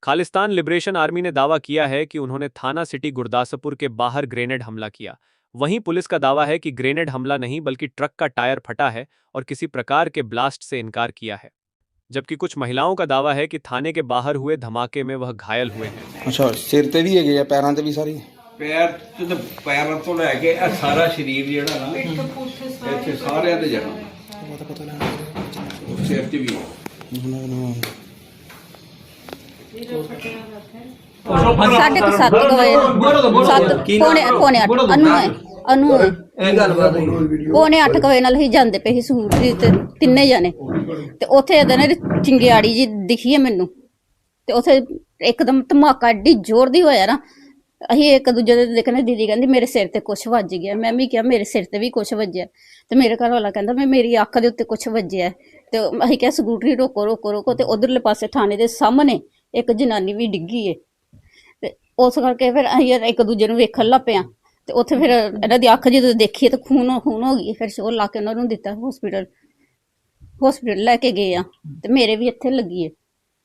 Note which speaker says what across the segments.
Speaker 1: Khalistan liberation army ने दावा किया है कि उन्होंने थाना सिटी गुरदासपुर के बाहर ग्रेनेड हमला किया। वहीं पुलिस का दावा है कि ग्रेनेड हमला नहीं बल्कि ट्रक का टायर फटा है और किसी प्रकार के ब्लास्ट से इनकार किया है। जबकि कुछ महिलाओं का दावा है कि थाने के बाहर हुए धमाके में वह घायल हुए हैं।
Speaker 2: अच्छा, सिर ते भी है या पैरों ते भी सारी?
Speaker 3: पैर तो पैरों तो लैके सारा शरीर जिहड़ा ना इत्थे सारे ते जाना सिर ते भी
Speaker 4: साढ़े को 7 बजे पौने 8 अनु है पौने 8 बजे नाल ही जांदे पे ही सूरजी ते तिन्ने जाने ते ओथे इधर चिंगियाड़ी जी दिखी है मैनू ते ओथे एकदम धमाका एड्डी जोर दी होया ना अही एक दूजे दे देखने दीदी कहंदी मेरे सिर ते कुछ वज गया। मैं भी क्या मेरे सिर ते भी कुछ वजया ते मेरे घर वाला कहंदा मैं मेरी अख दे उत्ते कुछ वजया ते अही क्या स्कूटरी रोको रोको रोको ते उधरले पासे थाने दे सामने एक जनानी भी डिग्गी है ते उस करके फिर अही एक दूजे नूं वेखण लग पिया ते उत्थे फिर इन्हां दी अख जदों देखी ते खून हो गई। फिर शोर ला के उन्हां नूं दित्ता हॉस्पिटल लैके गए आ ते मेरे भी इत्थे लगी है।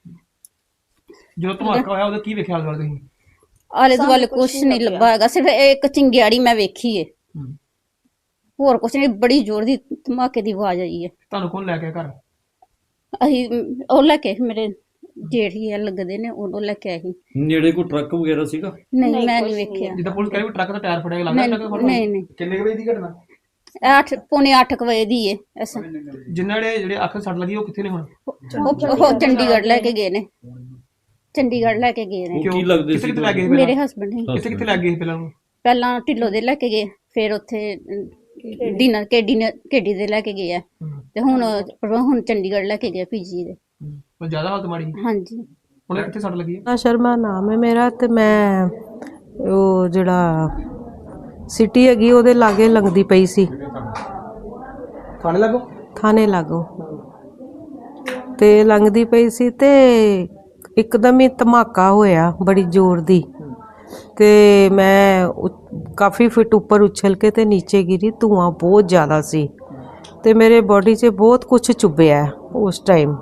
Speaker 5: जो धमाका होया ओहदा की वेखिया हाल तुसीं?
Speaker 4: आले दुआले कुछ नहीं लब्भा हैगा, सिर्फ एक चिंगियाड़ी मैं वेखी है, होर कुछ नहीं। बड़ी जोर दी धमाके दी आवाज आई है।
Speaker 5: ਤੁਹਾਨੂੰ ਕੌਣ ਲੈ ਕੇ ਘਰ?
Speaker 4: अही ਉਹ ਲੈ ਕੇ ਮੇਰੇ ਜੇਠ ਹੀ ਲੱਗਦੇ ਨੇ ਉਹ ਲੈ ਕੇ ਆਈ।
Speaker 6: ਨੇੜੇ ਕੋਈ ਟਰੱਕ ਵਗੈਰਾ ਸੀਗਾ?
Speaker 4: ਨਹੀਂ ਮੈਂ ਨਹੀਂ ਵੇਖਿਆ।
Speaker 5: ਜਿੱਦਾਂ ਪੁਲਿਸ ਕਹਿੰਦੀ ਟਰੱਕ ਦਾ ਟਾਇਰ ਫੜਿਆ ਲੱਗਦਾ
Speaker 4: ਨਹੀਂ ਨਹੀਂ
Speaker 3: ਕਿੰਨੇ ਵਜੇ ਦੀ ਘਟਨਾ?
Speaker 4: 8 ਪੌਣੇ 8 ਵਜੇ ਦੀ ਹੈ ਐਸਾ।
Speaker 5: ਜਿਨ੍ਹਾਂ ਦੇ ਜਿਹੜੇ ਅੱਖ ਸੱਟ ਲੱਗੀ ਉਹ ਕਿੱਥੇ ਨੇ ਹੁਣ?
Speaker 4: ਉਹ ਚੰਡੀਗੜ੍ਹ ਲੈ ਕੇ ਗਏ ਨੇ, ਚੰਡੀਗੜ੍ਹ ਲੈ ਕੇ ਗਏ ਨੇ।
Speaker 6: ਕੀ ਲੱਗਦੇ ਸੀ?
Speaker 5: ਕਿੱਥੇ ਲੈ ਗਏ?
Speaker 4: ਮੇਰੇ ਹਸਬੰਡ ਨੇ।
Speaker 5: ਕਿੱਥੇ ਲੈ ਗਏ
Speaker 4: ਪਹਿਲਾਂ ਢਿੱਲੋਂ ਦੇ ਲੈ ਕੇ ਗਏ, ਫਿਰ ਉੱਥੇ ਡਿਨਰ ਕੇਡੀ ਦੇ ਲੈ ਕੇ ਗਏ ਆ ਤੇ ਹੁਣ ਚੰਡੀਗੜ੍ਹ ਲੈ ਕੇ ਗਏ ਪੀਜੀ ਦੇ।
Speaker 5: ਜ਼ਿਆਦਾ ਹਾਲਤ ਮਾੜੀ?
Speaker 4: ਹਾਂਜੀ।
Speaker 5: ਹੁਣ ਕਿੱਥੇ ਸੱਟ ਲੱਗੀ ਹੈ?
Speaker 7: ਸ਼ਰਮਾ ਨਾਮ ਹੈ ਮੇਰਾ ਤੇ ਮੈਂ ਉਹ ਜਿਹੜਾ ਸਿਟੀ ਹੈਗੀ ਉਹਦੇ ਲਾਗੇ ਲੰਘਦੀ ਪਈ ਸੀ। ਥਾਣੇ ਲਾਗੋ ਤੇ ਲੰਘਦੀ ਪਈ ਸੀ ਤੇ ਇੱਕਦਮ ਹੀ ਧਮਾਕਾ ਹੋਇਆ ਬੜੀ ਜ਼ੋਰ ਦੀ ਤੇ ਮੈਂ ਕਾਫੀ ਫਿਟ ਉੱਪਰ ਉਛਲ ਕੇ ਤੇ ਨੀਚੇ ਗਿਰੀ। ਧੂਆਂ ਬਹੁਤ ਜ਼ਿਆਦਾ ਸੀ ਤੇ ਮੇਰੇ ਬੋਡੀ 'ਚ ਬਹੁਤ ਕੁਝ ਚੁੱਭਿਆ ਉਸ ਟਾਈਮ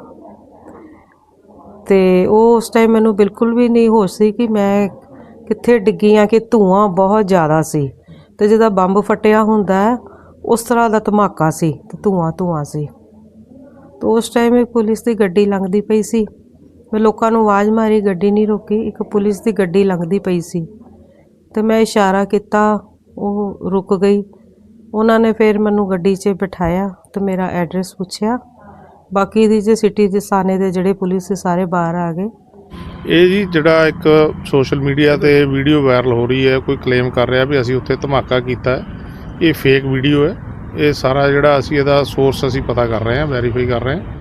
Speaker 7: ਤੇ ਉਸ ਟਾਈਮ ਮੈਨੂੰ ਬਿਲਕੁਲ ਵੀ ਨਹੀਂ ਹੋਸ਼ ਸੀ ਕਿ ਮੈਂ ਕਿੱਥੇ ਡਿੱਗੀ ਆ, ਕਿ ਧੂਆਂ ਬਹੁਤ ਜ਼ਿਆਦਾ ਸੀ ਤੇ ਜਦੋਂ ਬੰਬ ਫਟਿਆ ਹੁੰਦਾ ਉਸ ਤਰ੍ਹਾਂ ਦਾ ਧਮਾਕਾ ਸੀ ਤੇ ਧੂਆਂ ਸੀ। ਤੇ ਉਸ ਟਾਈਮ ਇੱਕ ਪੁਲਿਸ ਦੀ ਗੱਡੀ ਲੰਘਦੀ ਪਈ ਸੀ। ਮੈਂ ਲੋਕਾਂ ਨੂੰ ਆਵਾਜ਼ ਮਾਰੀ, ਗੱਡੀ ਨਹੀਂ ਰੋਕੀ। ਇੱਕ ਪੁਲਿਸ ਦੀ ਗੱਡੀ ਲੰਘਦੀ ਪਈ ਸੀ ਤੇ ਮੈਂ ਇਸ਼ਾਰਾ ਕੀਤਾ, ਉਹ ਰੁਕ ਗਈ। ਉਹਨਾਂ ਨੇ ਫਿਰ ਮੈਨੂੰ ਗੱਡੀ 'ਚ ਬਿਠਾਇਆ ਤੇ ਮੇਰਾ ਐਡਰੈਸ ਪੁੱਛਿਆ। ਬਾਕੀ ਦੀ ਜੇ ਸਿਟੀ ਦੇ ਸਾਨੇ ਦੇ ਜਿਹੜੇ ਪੁਲਿਸ ਦੇ ਸਾਰੇ ਬਾਹਰ ਆ ਗਏ।
Speaker 8: ਇਹ ਜੀ ਜਿਹੜਾ ਇੱਕ ਸੋਸ਼ਲ ਮੀਡੀਆ ਤੇ ਵੀਡੀਓ ਵਾਇਰਲ ਹੋ ਰਹੀ ਹੈ, ਕੋਈ ਕਲੇਮ ਕਰ ਰਿਹਾ ਵੀ ਅਸੀਂ ਉੱਥੇ ਧਮਾਕਾ ਕੀਤਾ ਹੈ, ਇਹ ਫੇਕ ਵੀਡੀਓ ਹੈ। ਇਹ ਸਾਰਾ ਜਿਹੜਾ ਅਸੀਂ ਇਹਦਾ ਸੋਰਸ ਅਸੀਂ ਪਤਾ ਕਰ ਰਹੇ ਹਾਂ, ਵੈਰੀਫਾਈ ਕਰ ਰਹੇ ਹਾਂ।